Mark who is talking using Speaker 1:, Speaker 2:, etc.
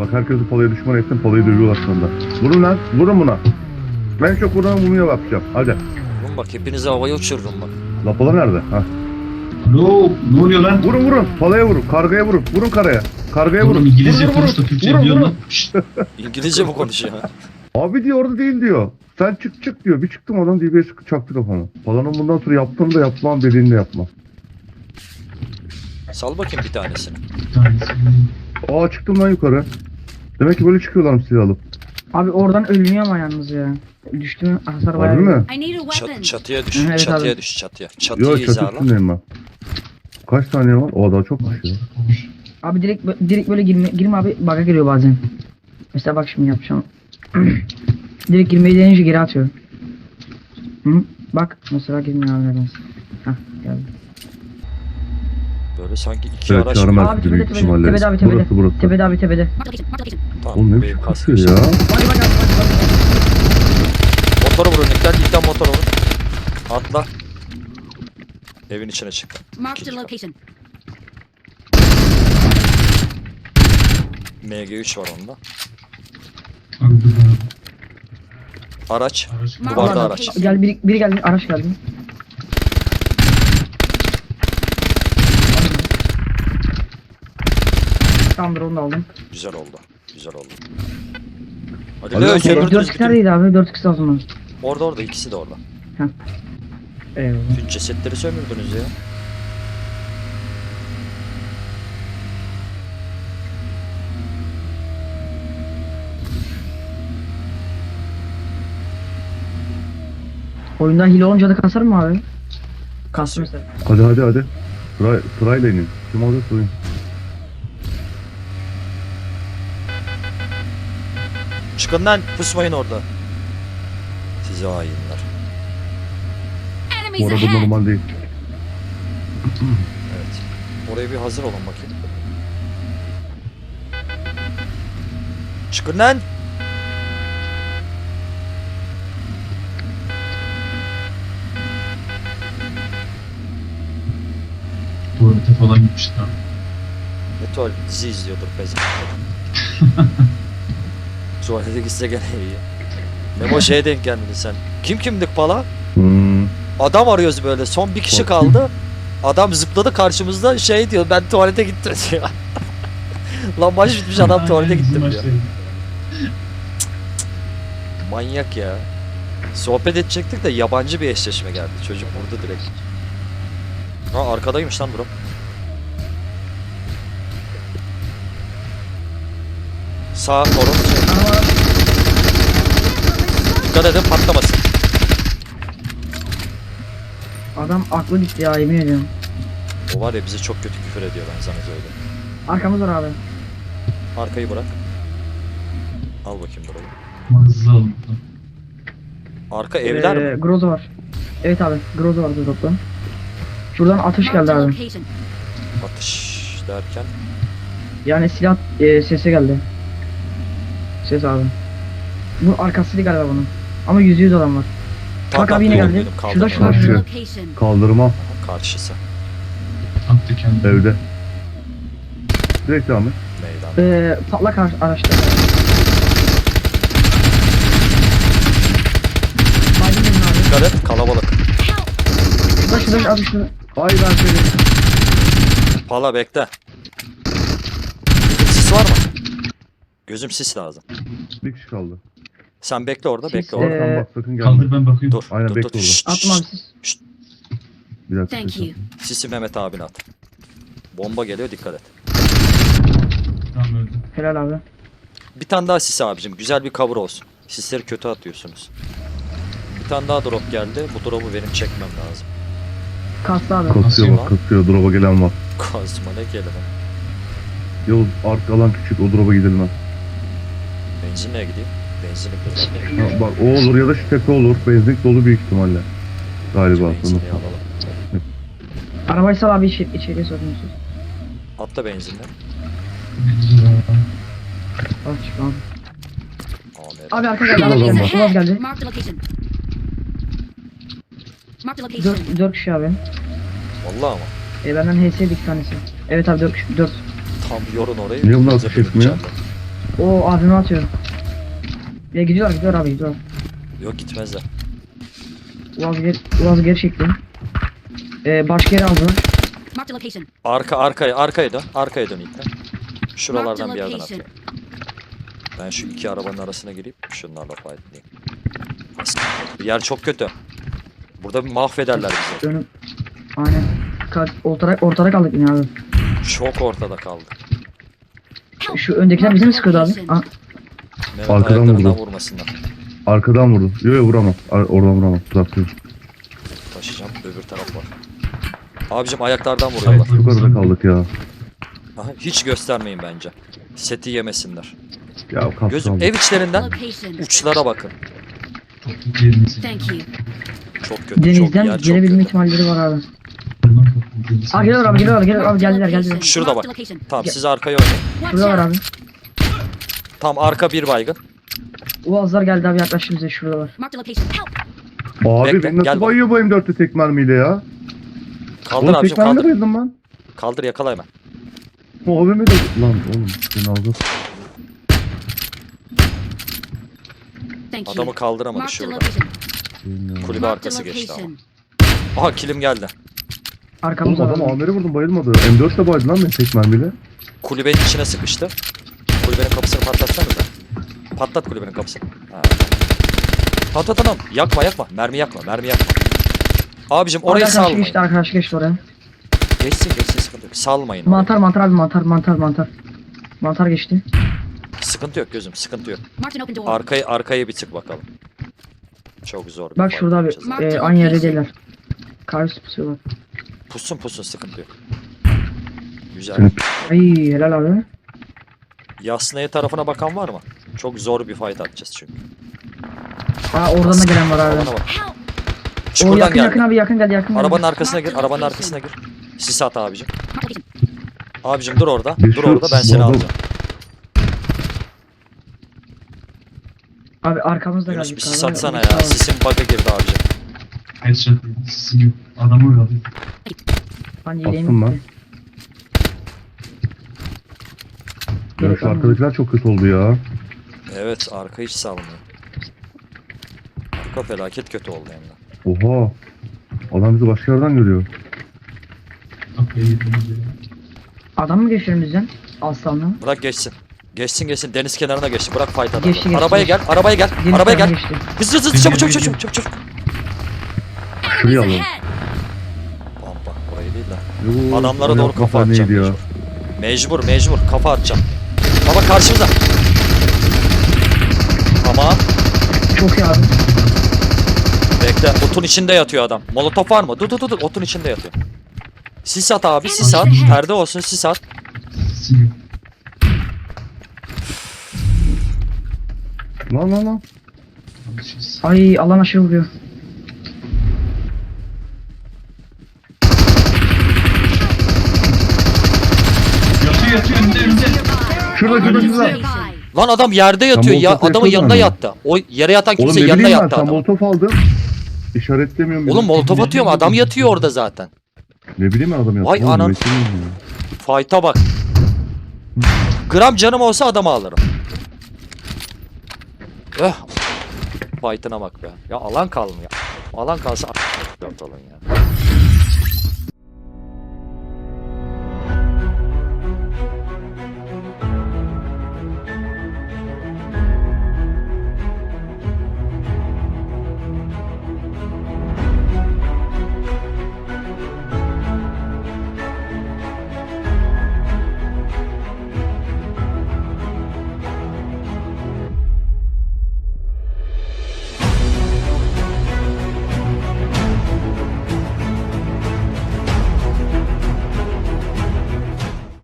Speaker 1: Bak herkesi palaya düşman etsin, palayı dövüyorlar sonunda. Vurun lan, vurun buna. Ben çok vuran vurmaya bakacağım. Hadi.
Speaker 2: Oğlum bak hepinizi havaya uçururum bak.
Speaker 1: La pala nerede? Ha.
Speaker 3: Ne oluyor lan?
Speaker 1: Vurun vurun, palaya vurun, kargaya vurun. Vurun karaya. Kargaya vurun.
Speaker 3: Oğlum İngilizce
Speaker 1: Vurun,
Speaker 3: konuş da
Speaker 1: vurun.
Speaker 3: Türkçe
Speaker 1: Vurun,
Speaker 3: biliyor
Speaker 1: vurun.
Speaker 3: lan. Şşt.
Speaker 2: İngilizce mi konuşuyor?
Speaker 1: Abi diyor orada değil diyor. Sen çık çık diyor. Bir çıktım adam DBS çaktı kafama. Palanın bundan sonra yaptığını da yapmam, dediğini de yapmam.
Speaker 2: Sal bakayım bir tanesini.
Speaker 3: Bir tanesi.
Speaker 1: Aa çıktım lan yukarı. Demek ki böyle çıkıyorlarmış silah alıp.
Speaker 4: Abi oradan ölmüyor ama yalnız ya. Düştü mü hasar bayağı.
Speaker 1: Harbi mi?
Speaker 5: I need a weapon.
Speaker 2: Çatıya düş.
Speaker 4: Evet
Speaker 2: çatıya
Speaker 4: abi.
Speaker 2: düş çatıya. Çatıyı
Speaker 1: Yok çatı
Speaker 2: hizala.
Speaker 1: üstündeyim ben. Kaç saniye var? O daha çok ya.
Speaker 4: Abi direkt böyle girme abi, bug'a giriyor bazen. Mesela bak şimdi yapacağım. Direkt girmeyi deneyince geri atıyor. Hı? Bak mesela girmiyor abi nedense. Hah geldi.
Speaker 2: Böyle sanki iki
Speaker 1: Evet
Speaker 2: araç.
Speaker 1: çağırmaz
Speaker 4: Abi
Speaker 1: büyük
Speaker 4: tepede
Speaker 1: ihtimalle.
Speaker 4: tepede abi tepede.
Speaker 1: Burası.
Speaker 4: Tepede abi tepede.
Speaker 5: Mark the location. Mark the location.
Speaker 2: Tamam,
Speaker 1: Oğlum ne
Speaker 2: benim
Speaker 1: biçim
Speaker 2: kasıyor
Speaker 1: kasıyor ya?
Speaker 4: Bak bak abi.
Speaker 2: Motoru vurun ilkten motoru vurun. Atla. Evin içine çık.
Speaker 5: Mark the
Speaker 2: İkinci kat.
Speaker 5: location.
Speaker 2: MG3 var onda.
Speaker 3: Abi dur abi.
Speaker 2: Araç.
Speaker 3: Araç
Speaker 5: Mark
Speaker 2: Duvarda
Speaker 5: the
Speaker 2: araç.
Speaker 5: location.
Speaker 4: Gel biri geldi, araç geldi. Tamamdır, onu da aldım.
Speaker 2: Güzel oldu. Güzel oldu. Hadi
Speaker 1: Hadi
Speaker 2: Leo
Speaker 1: bakalım.
Speaker 2: sömürdünüz
Speaker 4: 4x
Speaker 2: bütün.
Speaker 4: neredeydi abi? 4x lazım.
Speaker 2: Orada ikisi de orada.
Speaker 4: Eyvallah.
Speaker 2: Bütün cesetleri sömürdünüz ya.
Speaker 4: Oyunda hile olunca da kasar mı abi? Kastı mesela.
Speaker 1: Hadi. Sırayla inin. Kim alacak sorayım.
Speaker 2: Çıkın lan pusmayın orada. Sizi hainler.
Speaker 1: Bu
Speaker 5: Enemies
Speaker 1: arada
Speaker 5: ahead.
Speaker 1: normal değil.
Speaker 2: Evet. Oraya bir hazır olun bakayım. Çıkın lan.
Speaker 3: tuvalete falan gitmişler.
Speaker 2: Ne tuvalet dizi izliyordur bezim. Tuvalete gitse gene iyi. Memo şeye denk gelmedin sen. Kimdik pala?
Speaker 1: Hmm.
Speaker 2: Adam arıyoruz böyle. Son bir kişi kaldı. Adam zıpladı karşımızda şey diyor ben tuvalete gittim diyor. Lan maç bitmiş adam tuvalete gittim diyor. Manyak ya. Sohbet edecektik de yabancı bir eşleşme geldi. Çocuk vurdu direkt. Ha arkadaymış lan bro. Sağ korun. Dikkat edin patlamasın.
Speaker 4: Adam aklı gitti ya, yemin ediyorum.
Speaker 2: O var ya bize çok kötü küfür ediyor ben sana söyleyeyim.
Speaker 4: Arkamız var abi.
Speaker 2: Arkayı bırak. Al bakayım burayı.
Speaker 3: Mağaza aldım.
Speaker 2: Arka evler mi?
Speaker 4: Groza var. Evet abi, Groza vardı dropta. Şuradan atış
Speaker 5: Mark the
Speaker 4: geldi abi.
Speaker 5: location.
Speaker 2: Atış derken.
Speaker 4: Yani silah sesi geldi. Ses abi. Bu arkasıydı galiba bunun. Ama %100 adam var. Bak abi yine
Speaker 2: yok
Speaker 4: geldi.
Speaker 2: dedim,
Speaker 4: Şurada,
Speaker 2: kaldırma.
Speaker 4: şurada,
Speaker 5: Mark the
Speaker 4: şurada.
Speaker 5: location.
Speaker 1: Kaldırma
Speaker 2: Karşısı.
Speaker 3: Attı kendini.
Speaker 1: evde. Direkt devam et.
Speaker 2: Meydan.
Speaker 4: Patlak araçta. Baydın benim abi.
Speaker 2: Dikkat et kalabalık.
Speaker 4: Şurada abi şurada.
Speaker 1: Ay ben seni.
Speaker 2: Pala bekle. Gözüm sis var mı? Gözüm sis lazım.
Speaker 1: Bir kişi kaldı.
Speaker 2: Sen bekle orada
Speaker 4: Sis,
Speaker 2: bekle orada.
Speaker 1: Oradan bak sakın gelme.
Speaker 3: Kaldır ben bakayım.
Speaker 2: Dur
Speaker 1: Aynen,
Speaker 2: dur
Speaker 1: bekle
Speaker 2: dur.
Speaker 1: orada.
Speaker 2: Şşt,
Speaker 4: Atma abi
Speaker 2: şşt.
Speaker 4: siz.
Speaker 1: Bir dakika.
Speaker 5: Thank you.
Speaker 2: Sisi Mehmet abine at. Bomba geliyor dikkat et.
Speaker 3: Tamam öldü.
Speaker 4: Helal abi.
Speaker 2: Bir tane daha sis abicim. Güzel bir cover olsun. Sisleri kötü atıyorsunuz. Bir tane daha drop geldi. Bu drop'u benim çekmem lazım.
Speaker 4: Kastı abi.
Speaker 1: Kasıyor
Speaker 3: Nasıl
Speaker 1: bak kasıyor. Drop'a gelen var.
Speaker 2: Kazma ne kelime.
Speaker 1: Yavuz arka alan küçük. O drop'a gidilmez.
Speaker 2: Benzinliğe gideyim. Benzinlik
Speaker 1: Ha, bak o olur ya da şu tepe olur. Benzinlik dolu büyük ihtimalle. Galiba.
Speaker 2: Benzinliği alalım.
Speaker 4: Arabayı sal abi, içeriye sokuyorsunuz.
Speaker 2: Atla benzinle.
Speaker 4: Bak çık abi.
Speaker 2: Amer.
Speaker 4: Abi arka geldi.
Speaker 1: Şurada
Speaker 4: Arka
Speaker 1: adam
Speaker 4: geldi.
Speaker 1: var.
Speaker 4: Şurada geldi.
Speaker 5: Mark the location. Mark the location.
Speaker 4: 4 kişi abi.
Speaker 2: Vallahi ama.
Speaker 4: Benden HS'ydi 2 tanesi. Evet abi 4 kişi. 4.
Speaker 2: Tam yorun orayı.
Speaker 1: Niye bunlar
Speaker 2: bize
Speaker 1: atış etmiyor?
Speaker 2: bölüneceğim
Speaker 4: O abime atıyor. Ya gidiyor abi gidiyor.
Speaker 2: Yok gitmezler.
Speaker 4: Uaz geri çekti. Başka yere aldılar.
Speaker 5: Marked a location.
Speaker 2: Arkaya dön. Arkaya dön ilk de. Şuralardan
Speaker 5: Marked
Speaker 2: bir yerden
Speaker 5: location.
Speaker 2: atıyor. Ben şu iki arabanın arasına gireyim. Şunlarla fightlayayım. Yer çok kötü. Burada bir mahvederler bizi.
Speaker 4: Önüm. Aynen. Ortada kaldık yine abi.
Speaker 2: Çok ortada kaldık.
Speaker 4: Şu öndekiler bize mi sıkıyordu abi? Aa,
Speaker 2: Mehmet
Speaker 1: Arkadan
Speaker 2: ayaklarından
Speaker 1: vurdu.
Speaker 2: vurmasınlar.
Speaker 1: Arkadan vurdu. Yok vuramam. Oradan vuramam. Uzaktayım.
Speaker 2: Taşıyacağım. Öbür taraf var. Abicim ayaklardan vuruyorlar.
Speaker 1: Yukarıda kaldık ya.
Speaker 2: Aha, hiç göstermeyin bence. Seti yemesinler.
Speaker 1: Ya kaptan.
Speaker 2: Gözüm ev içlerinden
Speaker 5: Location.
Speaker 2: uçlara bakın.
Speaker 3: Çok kötü yeriniz.
Speaker 5: Thank you.
Speaker 2: Çok kötü. Çok
Speaker 4: denizden
Speaker 2: yer çok
Speaker 4: gelebilme
Speaker 2: kötü.
Speaker 4: ihtimalleri var abi.
Speaker 3: Bundan kapatıldı.
Speaker 4: Aa geliyor abi geldiler.
Speaker 2: Şurada
Speaker 5: Marked
Speaker 2: bak.
Speaker 5: a location.
Speaker 2: Tamam siz arkaya oynayın.
Speaker 5: Watch
Speaker 4: Şurada var
Speaker 5: out.
Speaker 4: abi.
Speaker 2: Tam arka bir baygın.
Speaker 4: Uazlar geldi abi yaklaştı bize şurada var.
Speaker 5: Marked a location. Help.
Speaker 1: Abi
Speaker 2: Bekle,
Speaker 1: beni nasıl
Speaker 2: gel bak.
Speaker 1: bayıyor bu M4'te tek mermiyle ya?
Speaker 2: Kaldır
Speaker 1: Oğlum
Speaker 2: abicim
Speaker 1: tek mermiyle
Speaker 2: kaldır.
Speaker 1: bayıldım ben.
Speaker 2: Kaldır yakala hemen.
Speaker 1: O AVM de... Lan oğlum beni aldı.
Speaker 5: Thank you.
Speaker 2: Adamı kaldıramadı
Speaker 5: Marked a
Speaker 2: şurada.
Speaker 5: location.
Speaker 1: Bilmiyorum.
Speaker 2: Kulübe
Speaker 5: Marked a
Speaker 2: arkası geçti ama.
Speaker 5: location.
Speaker 2: Aha kilim geldi.
Speaker 4: Arkamızda
Speaker 1: Oğlum adam
Speaker 4: var.
Speaker 1: AMR'e vurdum bayılmadı. M4 de bayıldı lan beni tek mermiyle.
Speaker 2: Kulübenin içine sıkıştı. Kulübenin kapısını patlatsanıza. Patlat kulübenin kapısını. Ha. Patlat adam. Yakma. Mermi yakma. Abicim orayı
Speaker 4: Arkadaş
Speaker 2: salmayın.
Speaker 4: geçti arkadaş geçti oraya.
Speaker 2: Geçsin sıkıntı yok. Salmayın orayı.
Speaker 4: Mantar abi mantar. Mantar geçti.
Speaker 2: Sıkıntı yok gözüm sıkıntı yok.
Speaker 5: Marked an open door.
Speaker 2: Arkaya bir tık bakalım. Çok zor bir
Speaker 4: Bak
Speaker 2: fight
Speaker 4: şurada abi
Speaker 2: yapacağız.
Speaker 4: aynı yerde değiller. Karşı pusuyorlar.
Speaker 2: Pussun sıkıntı yok. Güzel.
Speaker 1: Seni
Speaker 4: Ay helal abi.
Speaker 2: Yasnaya tarafına bakan var mı? Çok zor bir fight atacağız çünkü.
Speaker 4: Aa oradan da gelen var abi.
Speaker 2: Alana bak.
Speaker 5: Help.
Speaker 4: O
Speaker 2: Çukurdan
Speaker 4: yakın
Speaker 2: geldi.
Speaker 4: yakın abi yakın geldi.
Speaker 2: Arabanın arkasına gir. Arabanın arkasına gir. Sis at abicim.
Speaker 5: Marked a location.
Speaker 2: Abicim dur orada.
Speaker 1: Bir
Speaker 2: Dur
Speaker 1: şu-
Speaker 2: orada ben seni
Speaker 1: bu adam-
Speaker 2: alacağım.
Speaker 4: Abi arkamızda
Speaker 2: Yunus
Speaker 4: geldi.
Speaker 2: bir sis atsana ya. Sisin bug'a girdi abicim.
Speaker 3: Headshot değil. Sizin yok. Adamı uğradı.
Speaker 4: Hani
Speaker 1: Attım
Speaker 4: yeleğim
Speaker 1: ben.
Speaker 4: gitti.
Speaker 1: Ya
Speaker 4: Gerek
Speaker 1: şu
Speaker 4: olmadı.
Speaker 1: arkadakiler çok kötü oldu ya.
Speaker 2: Evet arka hiç salmıyor. Arka felaket kötü oldu hem de.
Speaker 1: Oha. Adam bizi başka yerden görüyor.
Speaker 3: Kapıya girdiniz ya.
Speaker 4: Adam mı geçiyor bizden? Aslanla.
Speaker 2: Bırak geçsin. Geçsin deniz kenarına geçsin. Bırak fight adamı.
Speaker 4: Geçti.
Speaker 2: Arabaya gel.
Speaker 4: Deniz
Speaker 2: Arabaya
Speaker 4: kenarına
Speaker 2: gel.
Speaker 4: geçti.
Speaker 2: Hızlı çabuk.
Speaker 1: Şuraya alalım.
Speaker 5: Ahead.
Speaker 2: Bak burayı değil de.
Speaker 1: Yoo,
Speaker 2: Adamlara
Speaker 1: o
Speaker 2: doğru
Speaker 1: yapma
Speaker 2: kafa atacağım
Speaker 1: neydi ya?
Speaker 2: mecbur. Kafa atacağım. Baba karşımıza. Ama
Speaker 4: Çok iyi abi.
Speaker 2: bekle. Otun içinde yatıyor adam. Molotof var mı? Dur. Otun içinde yatıyor. Sis at abi. Sis at. Perde olsun sis at.
Speaker 3: Sizin yok.
Speaker 1: Lan.
Speaker 3: Alışırız.
Speaker 4: Ay alan aşırı vuruyor.
Speaker 3: Yatıyor önünde.
Speaker 1: Şurada.
Speaker 5: Nearby.
Speaker 2: Lan adam yerde yatıyor. Ya
Speaker 1: molotof
Speaker 2: adamın
Speaker 1: yapıyordun
Speaker 2: yanına
Speaker 1: hani.
Speaker 2: yattı. O yere yatan
Speaker 1: Oğlum
Speaker 2: kimse
Speaker 1: ne
Speaker 2: yanına
Speaker 1: bileyim ben
Speaker 2: yattı
Speaker 1: sen
Speaker 2: adam.
Speaker 1: molotof aldın. İşaretlemiyorum.
Speaker 2: Oğlum molotof atıyorum adam yatıyor orada zaten.
Speaker 1: Ne bileyim ben adam yaptı.
Speaker 2: Vay
Speaker 1: Oğlum,
Speaker 2: anan.
Speaker 1: üretimim ya.
Speaker 2: Fight'a bak. Gram canım olsa adamı alırım. Fight'ına bak be. Ya alan kalmıyor. Alan kalsa ortalığın ya.